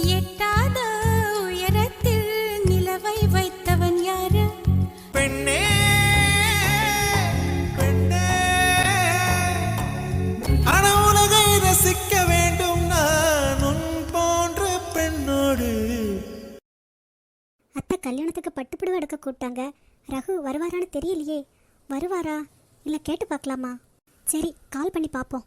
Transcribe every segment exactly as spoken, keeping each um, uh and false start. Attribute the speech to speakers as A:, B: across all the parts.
A: எட்டாத உயரத்தில் நிலவை வைத்தவன் யாரு?
B: பெண்ணே பெண்ணே, அன உலகை ரசிக்க வேண்டும் நான் உன் போன்ற பெண்ணோடு.
C: அத்தை கல்யாணத்துக்கு பட்டுப்புடவை எடுக்க கூப்பிட்டாங்க. ரகு வருவாரான்னு தெரியலையே. வருவாரா இல்லை கேட்டு பார்க்கலாமா? சரி, கால் பண்ணி பார்ப்போம்.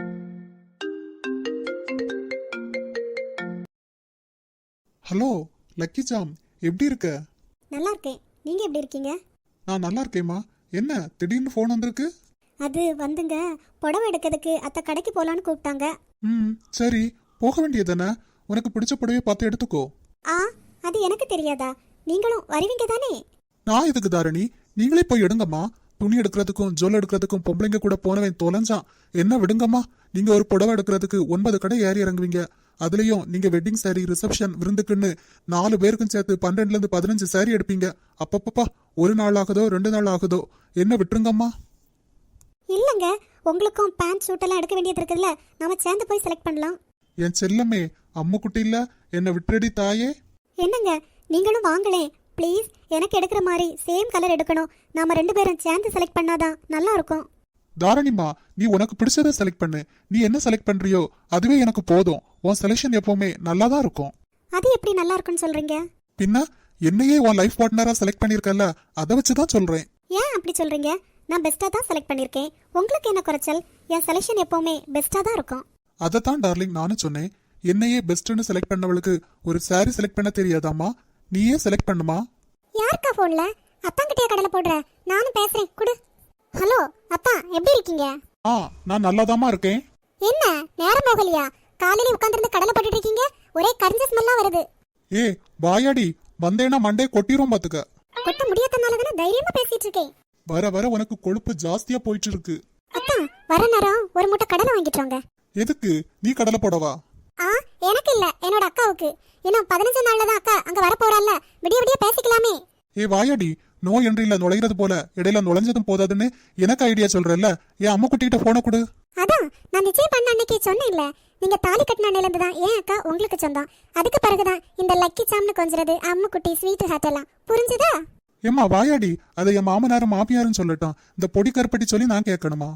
D: ஹலோ லக்கி ஜாம், எப்படி இருக்க?
C: நல்லா இருக்கேன். நீங்கள் எப்படி இருக்கீங்க?
D: நான் நல்லா இருக்கேம்மா. என்ன திடீர்னு ஃபோன் வந்திருக்கு?
C: அது வந்துங்க, புடவை எடுக்கிறதுக்கு அத்தை கடைக்கு போகலான்னு கூப்பிட்டாங்க.
D: ம் சரி, போக வேண்டியதானே. உனக்கு பிடிச்ச புடவையை பார்த்து எடுத்துக்கோ.
C: ஆ, அது எனக்கு தெரியாதா? நீங்களும் வருவீங்க தானே?
D: நான் எதுக்கு தாரணி, நீங்களே போய் எடுங்கம்மா. துணி எடுக்கிறதுக்கும் ஜொல் எடுக்கிறதுக்கும் பொம்பளைங்க கூட போனவன் தொலைஞ்சான். என்ன விடுங்கம்மா. நீங்க ஒரு புடவை எடுக்கிறதுக்கு ஒன்பது கடை ஏறி இறங்குவீங்க. அதுலயும் நீங்க வெட்டிங் சாரி, ரிசப்ஷன், விருந்துக்குன்னு நாலு பேருக்கும் சேர்த்து பன்னெண்டுல இருந்து பதினஞ்சு சாரி எடுப்பீங்க. அப்பப்பப்பா, ஒரு நாள் ஆகுதோ ரெண்டு நாள் ஆகுதோ, என்ன விட்டுருங்கம்மா.
C: இல்லைங்க, உங்களுக்கும் பேண்ட் ஷூட் எல்லாம் எடுக்க வேண்டியது இருக்குதுல்ல, நாம சேர்ந்து போய் செலக்ட் பண்ணலாம்.
D: என் செல்லமே, அம்மு குட்டி இல்ல, என்ன விட்டுறடி தாயே.
C: என்னங்க, நீங்களும் வாங்களேன் ப்ளீஸ். எனக்கு எடுக்கிற மாதிரி சேம் கலர் எடுக்கணும். நாம ரெண்டு பேரும் சேர்ந்து செலக்ட் பண்ணாதான் நல்லா இருக்கும்.
D: தாரணிமா, நீ உனக்கு பிடிச்சதை செலக்ட் பண்ணு. நீ என்ன செலக்ட் பண்றியோ அதுவே எனக்கு போதும். உன் செலக்ஷன் எப்பவுமே நல்லா தான் இருக்கும்.
C: அது எப்படி நல்லா இருக்குன்னு சொல்றீங்க?
D: பின்ன என்னையே உன் லைஃப் பார்ட்னரா செலக்ட் பண்ணிருக்கல, அதை வச்சுதான் சொல்றேன்.
C: ஏன் அப்படி சொல்றீங்க? நான் பெஸ்டா தான் செலக்ட் பண்ணிருக்கேன். உங்களுக்கு என்ன குறைச்சல்? என் செலக்ஷன் எப்பவுமே பெஸ்டா தான் இருக்கும்.
D: அதைத்தான் டார்லிங் நானும் சொன்னேன். என்னையே பெஸ்ட்னு செலக்ட் பண்ணவளுக்கு ஒரு சாரி செலக்ட் பண்ண தெரியாதாமா? நீயே செலக்ட் பண்ணுமா.
C: யாருக்கா போன்ல? அத்தாங்கிட்டே கடலை போடுற? நானும் பேசுறேன், குடு. ஹலோ அப்பா, எப்படி இருக்கீங்க?
D: ஆ, நான் நல்லாதாமா இருக்கேன்.
C: என்ன நேரம் போகலையா? காலையில உட்கார்ந்து கடலை போட்டுட்டு இருக்கீங்க. ஒரே கரிஞ்ச ஸ்மெல்லா வருது.
D: ஏ வாயாடி, வந்தேனா மண்டே கொட்டிரும் பாத்துக்க.
C: கொட்ட முடியாதனாலதானே தைரியமா பேசிட்டு இருக்கேன்.
D: வர வர உனக்கு கொழுப்பு ஜாஸ்தியா போயிட்டு இருக்கு.
C: அத்தா, வர நேரம் ஒரு மூட்டை கடலை வாங்கிட்டு வாங்க.
D: எதுக்கு? நீ கடலை போடவா?
C: ஆ, எனக்கு இல்ல, என்னோட அக்காவுக்கு. இன்னும் பதினஞ்சு நாள்ல தான் அக்கா அங்க வர போறாள்ல, விடிய விடிய பேசிக்கலாமே.
D: ஏ வாயாடி, நோ என்றில நுழைகிறது போல இடையில நுழைஞ்சதும் போதாதுன்னு எனக்கு ஐடியா சொல்றல்ல. என் அம்மா குட்டிகிட்ட போன கொடு.
C: அதான் நான் நிச்சயம் பண்ண அன்னைக்கு சொன்னேன்ல, நீங்க தாலி கட்டின அன்னையில இருந்து தான் ஏன் அக்கா உங்களுக்கு சொந்தம். அதுக்கு பிறகுதான் இந்த லக்கி சாம்னு கொஞ்சறது, அம்மு குட்டி, ஸ்வீட் ஹார்ட் எல்லாம். புரிஞ்சுதா?
D: ஏம்மா வாயாடி, அதை என் மாமனாரும் மாமியாரும் சொல்லட்டும். இந்த பொடி கருப்பட்டி சொல்லி நான் கேட்கணுமா?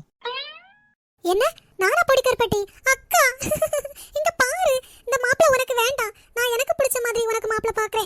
C: என்ன நானா பொடி கருப்பட்டி? அக்கா இங்க பாரு, இந்த மாப்பிள உனக்கு வேண்டாம். நான் எனக்கு பிடிச்ச மாதிரி உனக்கு மாப்பிள பாக்குறேன்.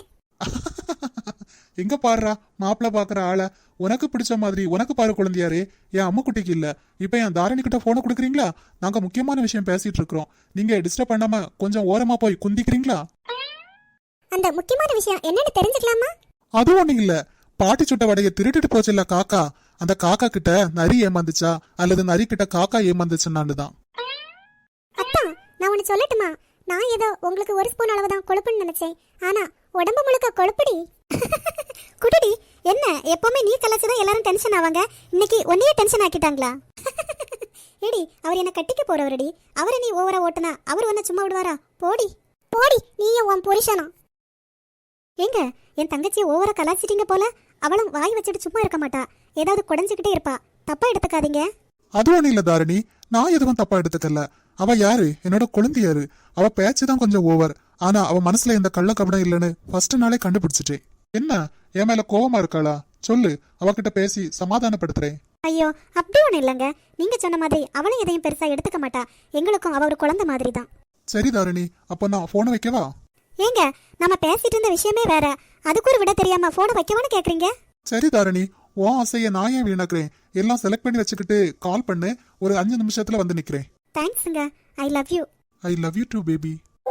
D: எங்க பாருடா மாப்பிள்ள பாக்குற ஆள. உனக்கு பிடிச்ச மாதிரி உனக்கு பாரு குழந்தையாரே. என் அம்மா குட்டிக்கு இல்ல. இப்ப என் தாரணி கிட்ட போன கொடுக்குறீங்களா? நாங்க முக்கியமான விஷயம் பேசிட்டு இருக்கிறோம். நீங்க டிஸ்டர்ப் பண்ணாம கொஞ்சம் ஓரமா போய் குந்திக்கிறீங்களா?
C: அந்த முக்கியமான விஷயம் என்னன்னு தெரிஞ்சுக்கலாமா?
D: அது ஒண்ணு இல்ல. பாட்டி சுட்ட வடைய திருட்டுட்டு போச்சுல்ல காக்கா, அந்த காக்கா கிட்ட நரி ஏமாந்துச்சா அல்லது நரி கிட்ட காக்கா ஏமாந்துச்சுன்னான்னு தான்.
C: அப்பா, நான் ஒன்னு சொல்லட்டுமா? நான் ஏதோ உங்களுக்கு ஒரு ஸ்பூன் அளவு தான் கொழுப்புன்னு நினைச்சேன். ஆனா உடம்பு முழுக்க கொழுப்புடி. குடிடி. என்ன எப்பவுமே நீ கலாச்சுதான் எல்லாரும் டென்ஷன் ஆவாங்க. இன்னைக்கு ஒன்னையே டென்ஷன் ஆக்கிட்டாங்களா? ஏடி, அவர் என்ன கட்டிக்க போறவரடி. அவரை நீ ஓவரா ஓட்டுனா அவர் ஒன்ன சும்மா விடுவாரா? போடி போடி, நீயும் உன் புருஷனும். ஏங்க, என் தங்கச்சியை ஓவரா கலாச்சிட்டீங்க போல. அவளும் வாய் வச்சுட்டு சும்மா இருக்க மாட்டா, ஏதாவது குடைஞ்சுக்கிட்டே இருப்பா. தப்பா எடுத்துக்காதீங்க.
D: அது ஒண்ணு இல்ல தாரணி, நான் எதுவும் தப்பா எடுத்துக்கல. அவ யாரு? என்னோட குழந்தையாரு. அவ பேச்சுதான் கொஞ்சம் ஓவர். ஆனா அவ மனசுல இந்த கள்ள கபடம் இல்லைன்னு ஃபர்ஸ்ட் நாளே கண்டுபிடிச்சிட்டேன். என்ன என் மேல கோவமா இருக்காளா? சொல்லு, அவகிட்ட பேசி சமாதானப்படுத்துறேன்.
C: ஐயோ, அப்படி ஒண்ணு இல்லைங்க. நீங்க சொன்ன மாதிரி அவளும் எதையும் பெருசா எடுத்துக்க மாட்டா. எங்களுக்கும் அவ ஒரு குழந்தை மாதிரி தான்.
D: சரி தாரணி, அப்ப நான் போனை வைக்கவா?
C: ஏங்க, நம்ம பேசிட்டு இருந்த விஷயமே வேற, அதுக்கு ஒரு விட தெரியாம போனை வைக்கவான்னு கேக்குறீங்க?
D: சரி தாரணி, உன் ஆசைய நான் ஏன் வீணாக்குறேன்? எல்லாம் செலக்ட் பண்ணி வச்சுக்கிட்டு கால் பண்ணு, ஒரு அஞ்சு நிமிஷத்துல வந்து நிக்கிறேன்.
C: தேங்க்ஸ்ங்க. I love you.
D: I love you too baby.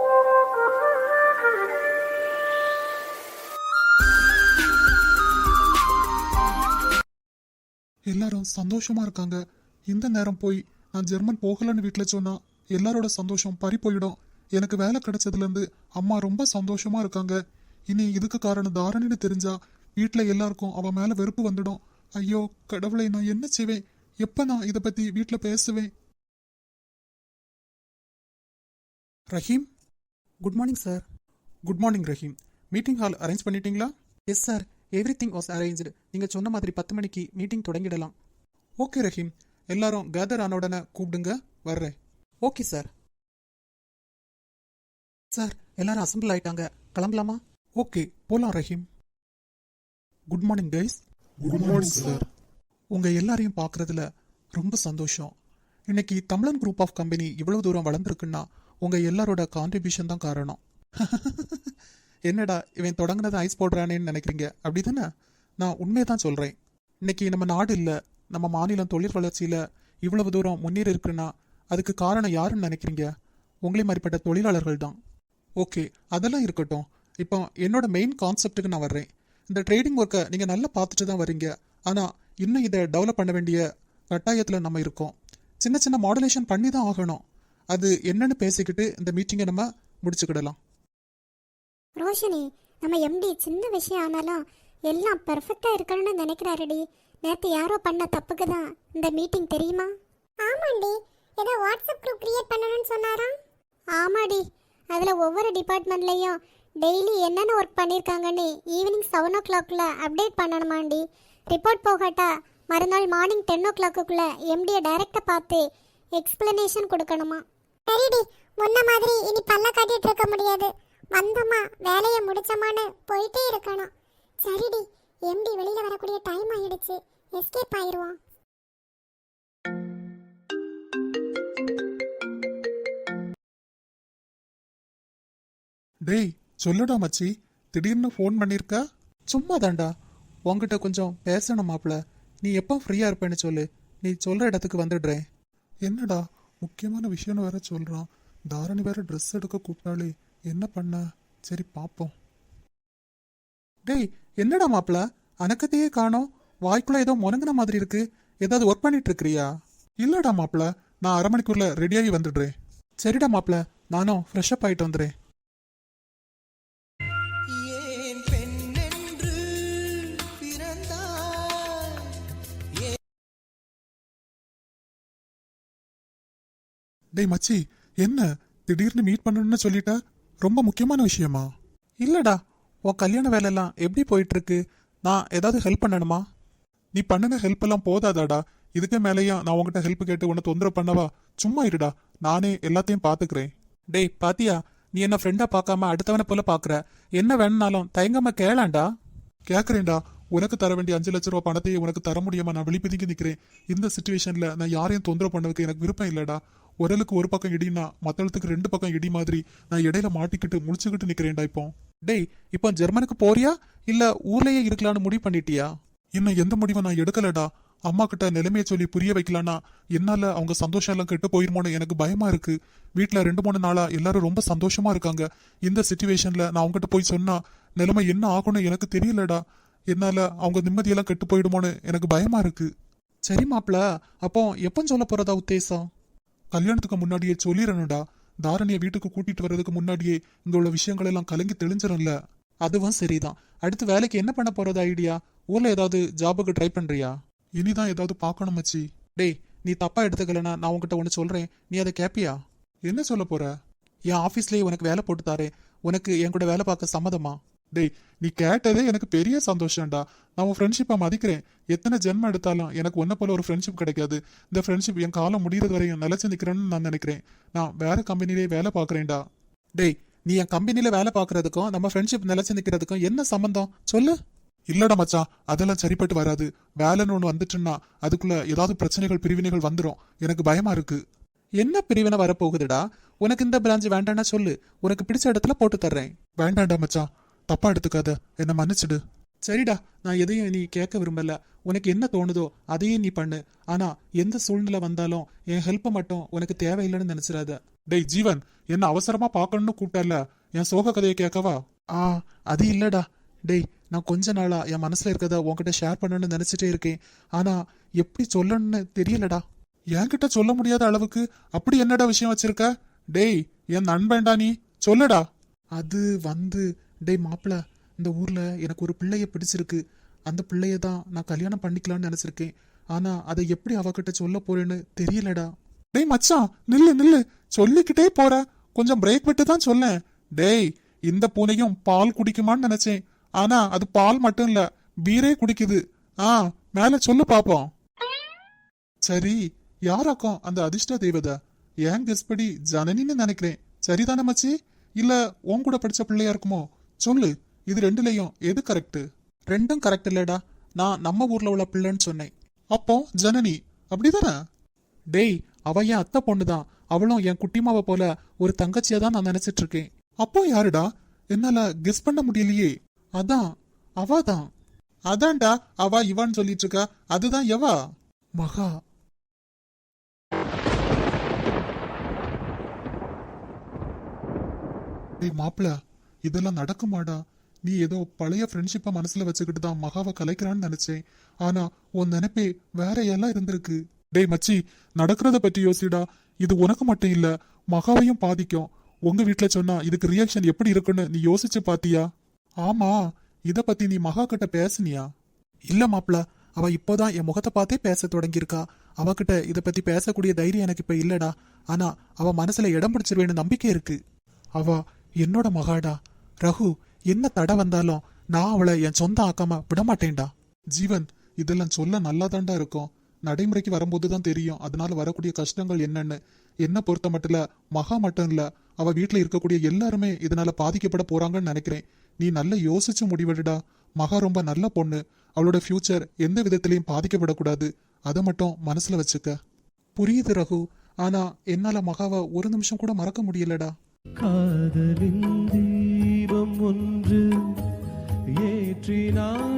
D: எல்லாரும் சந்தோஷமா இருக்காங்க. இந்த நேரம் போய் நான் ஜெர்மன் போகலன்னு வீட்டுல சொன்னா எல்லாரோட சந்தோஷம் பறி போயிடும். எனக்கு வேலை கிடைச்சதுல இருந்து அம்மா ரொம்ப சந்தோஷமா இருக்காங்க. இனி இதுக்கு காரணம் தாரணின்னு தெரிஞ்சா வீட்டுல எல்லாருக்கும் அவ மேல வெறுப்பு வந்துடும். ஐயோ கடவுளை, நான் என்ன செய்வேன்? எப்ப நான் இதை பத்தி வீட்டுல பேசுவேன்? Rahim,
E: good morning sir.
D: Good morning Rahim. Meeting hall arrange பண்ணிட்டீங்களா?
E: Yes sir, everything was arranged. நீங்கள் சொன்ன மாதிரி பத்து மணிக்கு மீட்டிங் தொடங்கிடலாம்.
D: ஓகே ரஹீம், எல்லாரும் கேதர் ஆன உடனே கூப்பிடுங்க, வர்றேன்.
E: Okay sir. சார் எல்லாரும் அசம்பிள் ஆயிட்டாங்க, கிளம்பலாமா?
D: ஓகே போலாம் Rahim. Good morning guys. Good morning sir.
E: உங்க எல்லாரையும் பார்க்கறதுல ரொம்ப சந்தோஷம். இன்னைக்கு தமிழன் குரூப் ஆஃப் கம்பெனி இவ்வளவு தூரம் வளர்ந்துருக்குன்னா உங்க எல்லாரோட கான்ட்ரிபியூஷன் தான் காரணம். என்னடா இவன் தொடங்கினதை ஐஸ் போடுறானேன்னு நினைக்கிறீங்க, அப்படிதானே? நான் உண்மையை தான் சொல்றேன். இன்னைக்கு நம்ம நாடு இல்லை, நம்ம மாநிலம் தொழில் வளர்ச்சியில இவ்வளவு தூரம் முன்னேறி இருக்குன்னா அதுக்கு காரணம் யாருன்னு நினைக்கிறீங்க? உங்களே மாதிரிப்பட்ட தொழிலாளர்கள் தான். ஓகே, அதெல்லாம் இருக்கட்டும். இப்போ என்னோட மெயின் கான்செப்டுக்கு நான் வர்றேன். இந்த ட்ரேடிங் ஒர்க்கை நீங்கள் நல்லா பார்த்துட்டு தான் வரீங்க, ஆனால் இன்னும் இதை டெவலப் பண்ண வேண்டிய கட்டாயத்தில் நம்ம இருக்கோம். சின்ன சின்ன மாடுலேஷன் பண்ணி தான் ஆகணும். அது என்னன்னு பேசிக்கிட்டு இந்த மீட்டிங்கை நம்ம முடிச்சுக்கிடலாம்.
C: ரோஷினி, நம்ம எம்டி சின்ன விஷயம் ஆனாலும் எல்லாம் பெர்ஃபெக்டா இருக்கணும்னு நினைக்கிறாருடி. நேத்து யாரோ பண்ண தப்புக்கு தான் இந்த மீட்டிங், தெரியுமா? ஆமாண்டி, ஏதோ வாட்ஸ்அப் குரூப் கிரியேட் பண்ணணும்னு சொன்னாராம். ஆமாடி, அதுல ஒவ்வொரு டிபார்ட்மெண்ட்லயும் டெய்லி என்னென்ன ஒர்க் பண்ணியிருக்காங்கன்னு ஈவினிங் செவன் ஓ கிளாக்ல அப்டேட் பண்ணணுமாண்டி. ரிப்போர்ட் போகாட்டா மறுநாள் மார்னிங் டென் ஓ கிளாக்குள்ள எம்டியை டைரக்டா பார்த்து எக்ஸ்பிளனேஷன் கொடுக்கணுமா. சரிடி, முன்ன மாதிரி இனி பல்ல காட்டிட்டு இருக்க முடியாது. வந்தோமா வேலையை முடிச்சோமான்னு போயிட்டே இருக்கணும். சரிடி, எம்டி வெளியில வரக்கூடிய டைம் ஆயிடுச்சு, எஸ்கேப் ஆயிருவோம்.
D: டேய் சொல்லுடா மச்சி, திடீர்னு ஃபோன் பண்ணிருக்க?
E: சும்மா தாண்டா, உங்ககிட்ட கொஞ்சம் பேசணும் மாப்ள. நீ எப்போ ஃப்ரீயா இருப்பேன்னு சொல்லு, நீ சொல்ற இடத்துக்கு வந்துடுறேன்.
D: என்னடா முக்கியமான விஷயம்னு வேற சொல்றான். தாரணி வேற ட்ரெஸ் எடுக்க கூப்பிட்டாலே, என்ன பண்ண? சரி பாப்போம்.
E: டேய் என்னடா மாப்ள, அனக்கத்தையே காணோம். வாய்க்குள்ள ஏதோ முனங்கின மாதிரி இருக்கு. ஏதாவது ஒர்க் பண்ணிட்டு இருக்கிறியா?
D: இல்லடா மாப்பிள, நான் அரை மணிக்குள்ள ரெடியாகி வந்துடுறேன்.
E: சரிடா மாப்ள, நானும் ஃப்ரெஷ் அப் ஆயிட்டு வந்துடுறேன்.
B: ஏன் பெண்ணென்று பிறந்தாய்?
D: டேய் மச்சி, என்ன திடீர்னு மீட் பண்ணணும்னு சொல்லிட்ட? ரொம்ப முக்கியமான விஷயமா?
E: இல்லடா, உன் கல்யாண வேலையெல்லாம் எப்படி போயிட்டு இருக்கு? நான் ஏதாவது ஹெல்ப் பண்ணணுமா?
D: நீ பண்ணின ஹெல்ப் எல்லாம் போதாதாடா? இதுக்கு மேலேயும் நான் உங்ககிட்ட ஹெல்ப் கேட்டு உன்னை தொந்தரவு பண்ணவா? சும்மா இருடா, நானே எல்லாத்தையும் பாத்துக்கிறேன்.
E: டேய் பாத்தியா, நீ என்ன ஃப்ரெண்டா பார்க்காம அடுத்தவனை போல பாக்குற. என்ன வேணும்னாலும் தயங்காம கேளாண்டா.
D: கேக்குறேன்டா, உனக்கு தர வேண்டிய அஞ்சு லட்ச ரூபா பணத்தையே உனக்கு தர முடியாம நான் விழிப்பதுங்கி நிக்கிறேன். இந்த சுச்சுவேஷன்ல நான் யாரையும் தொந்தரவு பண்ணதுக்கு எனக்கு விருப்பம் இல்லடா. உரலுக்கு ஒரு பக்கம் இடினா மத்தளத்துக்கு ரெண்டு பக்கம் இடி மாதிரி நான் இடையில மாட்டிக்கிட்டு முடிச்சுக்கிட்டு நிக்கிறேன்டா இப்போ.
E: டேய், இப்போ ஜெர்மனுக்கு போறியா இல்ல ஊர்லயே இருக்கலாம்னு முடிவு பண்ணிட்டியா?
D: இன்னும் எந்த முடிவை நான் எடுக்கலடா. அம்மா கிட்ட நிலைமையை சொல்லி புரிய வைக்கலான்னா என்னால அவங்க சந்தோஷம் எல்லாம் கெட்டு போயிருமோன்னு எனக்கு பயமா இருக்கு. வீட்டுல ரெண்டு மூணு நாளா எல்லாரும் ரொம்ப சந்தோஷமா இருக்காங்க. இந்த சிச்சுவேஷன்ல நான் அவங்ககிட்ட போய் சொன்னா நிலைமை என்ன ஆகும்னு எனக்கு தெரியலடா. என்னால அவங்க நிம்மதியெல்லாம் கெட்டு போயிடுமோன்னு எனக்கு பயமா இருக்கு.
E: சரி மாப்ள, அப்போ எப்போ சொல்ல போறதா உத்தேசம்?
D: கல்யாணத்துக்கு முன்னாடியே சொல்லிடணும்டா. தாரணியை வீட்டுக்கு கூட்டிட்டு வர்றதுக்கு முன்னாடியே இங்க உள்ள விஷயங்கள் எல்லாம் கலங்கி தெளிஞ்சிடும்ல.
E: அதுவும் சரிதான். அடுத்து வேலைக்கு என்ன பண்ண போறது ஐடியா? ஊர்ல ஏதாவது ஜாபுக்கு ட்ரை பண்றியா?
D: இனிதான் ஏதாவது பார்க்கணும் மச்சி.
E: டேய், நீ தப்பா எடுத்துக்கலனா நான் உன்கிட்ட ஒன்று சொல்றேன், நீ அதை கேப்பியா?
D: என்ன சொல்ல போற?
E: என் ஆபீஸ்லயே உனக்கு வேலை போட்டு தாரேன். உனக்கு என் கூட வேலை பார்க்க சம்மதமா?
D: டேய், நீ கேட்டதே எனக்கு பெரிய சந்தோஷம்டா. நான் உன் ஃப்ரெண்ட்ஷிப்பை மதிக்கிறேன். எத்தனை ஜென்மம் எடுத்தாலும் எனக்கு ஒன்ன போல ஒரு ஃப்ரெண்ட்ஷிப் கிடைக்காது. இந்த ஃப்ரெண்ட்ஷிப் என் காலம் முடியறது வரையும் நிலைச்சு நிக்கிறேன்னு நான் நினைக்கிறேன். நான் வேற கம்பெனிலே வேலை பார்க்கறேன்டா.
E: டேய், நீ என் கம்பெனில வேலை பார்க்கறதுக்கும் நம்ம ஃப்ரெண்ட்ஷிப் நிலைச்சு நிக்கிறதுக்கும் என்ன சம்பந்தம் சொல்லு?
D: இல்லடா மச்சான், அதெல்லாம் சரிப்பட்டு வராது. வேலைன்னு ஒன்று வந்துட்டுன்னா அதுக்குள்ள ஏதாவது பிரச்சனைகள் பிரிவினைகள் வந்துடும். எனக்கு பயமா இருக்கு.
E: என்ன பிரிவினை வரப்போகுதுடா? உனக்கு இந்த பிரான்ச் வேண்டாம்னா சொல்லு, உனக்கு பிடிச்ச இடத்துல போட்டு தர்றேன்.
D: வேண்டாண்டா மச்சான், தப்பா எடுத்துக்காத, என்ன மன்னிச்சிடு.
E: சரிடா, நான் எதையும் நீ கேட்க விரும்பல. உனக்கு என்ன தோணுதோ அதையே நீ பண்ணு. ஆனா எந்த சூழ்நிலை வந்தாலும் என் ஹெல்ப்பை மட்டும் உனக்கு தேவையில்லைன்னு நினைச்சிடாத.
D: டேய் ஜீவன், என்ன அவசரமா பார்க்கணும்னு கூப்பிட்டல, என் சோக கதையை கேட்கவா?
E: ஆ, அது இல்லடா. டேய், நான் கொஞ்ச நாளா என் மனசுல இருக்கத உன்கிட்ட ஷேர் பண்ணணும்னு நினைச்சிட்டே இருக்கேன். ஆனா எப்படி சொல்லணும்னு தெரியலடா.
D: என்கிட்ட சொல்ல முடியாத அளவுக்கு அப்படி என்னடா விஷயம் வச்சிருக்க? டேய், என் நண்பன்டா நீ, சொல்லுடா.
E: அது வந்து டேய் மாப்பிள, இந்த ஊர்ல எனக்கு ஒரு பிள்ளைய பிடிச்சிருக்கு. அந்த பிள்ளைய தான் நான் கல்யாணம் பண்ணிக்கலாம்னு நினைச்சிருக்கேன். ஆனா அதை எப்படி அவகிட்ட சொல்ல போறேன்னு தெரியலடா.
D: டேய் மச்சான், நில்லு நில்லு, சொல்லிக்கிட்டே போற, கொஞ்சம் பிரேக் விட்டு தான் சொல்லேன். டேய், இந்த பூனையும் பால் குடிக்குமான்னு நினைச்சேன். ஆனா அது பால் மட்டும் இல்ல, பீரே குடிக்குது. ஆ, மேல சொல்லு பாப்போம். சரி, யாராக்கும் அந்த அதிர்ஷ்ட தேவதை? ஏன் கெஸ்படி ஜனனின்னு நினைக்கிறேன். சரிதானே மச்சி? இல்ல உன் கூட படிச்ச பிள்ளையா இருக்குமோ? சொல்லு, இது ரெண்டுலயும் எது கரெக்ட்?
E: ரெண்டும் கரெக்ட் இல்லடா. நான் நம்ம ஊர்ல உள்ள பிள்ளைன்னு சொன்னேன்.
D: அப்போ ஜனனி அப்படிதானே?
E: டேய், அவ என் அத்தை பொண்ணுதான். அவளும் என் குட்டிமாவை போல ஒரு தங்கச்சியா தான் நான் நினைச்சிட்டு இருக்கேன்.
D: அப்போ யாருடா? என்னால கெஸ் பண்ண முடியலையே.
E: அதான் அவதான்.
D: அதான்டா அவ இவான்னு சொல்லிட்டு இருக்கா. அதுதான் எவா?
E: மகா.
D: டேய் மாப்பிள, இதெல்லாம் நடக்குமாடா? நீ ஏதோ பழைய ஃப்ரெண்ட்ஷிப்பை மனசுல வச்சுக்கிட்டு தான் மகாவை கலைக்கிறான்னு நினைச்சேன். ஆனா உன் நினைப்பே வேற எல்லாம் இருந்திருக்கு. டேய் மச்சி, நடக்கிறத பத்தி யோசிடா. இது உனக்கு மட்டும் இல்ல, மகாவையும் பாதிக்கும். உங்க வீட்டுல சொன்னா இதுக்கு ரியாக்ஷன் எப்படி இருக்குன்னு நீ யோசிச்சு பாத்தியா? ஆமா, இத பத்தி நீ மகா கிட்ட பேசுனியா?
E: இல்ல மாப்பிள, அவ இப்போதான் என் முகத்தை பார்த்தே பேச தொடங்கியிருக்கா. அவகிட்ட இத பத்தி பேசக்கூடிய தைரியம் எனக்கு இப்ப இல்லடா. ஆனா அவ மனசுல இடம் பிடிச்சிருவேன்னு நம்பிக்கை இருக்கு. அவ என்னோட மகாடா. ரகு, என்ன தடை வந்தாலும் நான் அவளை என் சொந்த ஆக்காம விடமாட்டேன்டா.
D: ஜீவன், இதெல்லாம் சொல்ல நல்லாதான்டா இருக்கும். நடைமுறைக்கு வரும்போது தான் தெரியும் அதனால வரக்கூடிய கஷ்டங்கள் என்னன்னு. என்ன பொறுத்த மட்டும் மகா மட்டும் இல்ல, அவ வீட்டுல இருக்கக்கூடிய எல்லாருமே இதனால பாதிக்கப்பட போறாங்கன்னு நினைக்கிறேன். நீ நல்லா யோசிச்சு முடிவெடுடா. மகா ரொம்ப நல்ல பொண்ணு. அவளோட ஃபியூச்சர் எந்த விதத்திலையும் பாதிக்கப்படக்கூடாது. அதை மட்டும் மனசுல வச்சுக்க.
E: புரியுது ரகு, ஆனா என்னால மகாவை ஒரு நிமிஷம் கூட மறக்க முடியலடா.
F: காதலின் தீபம் ஒன்று ஏற்றினார்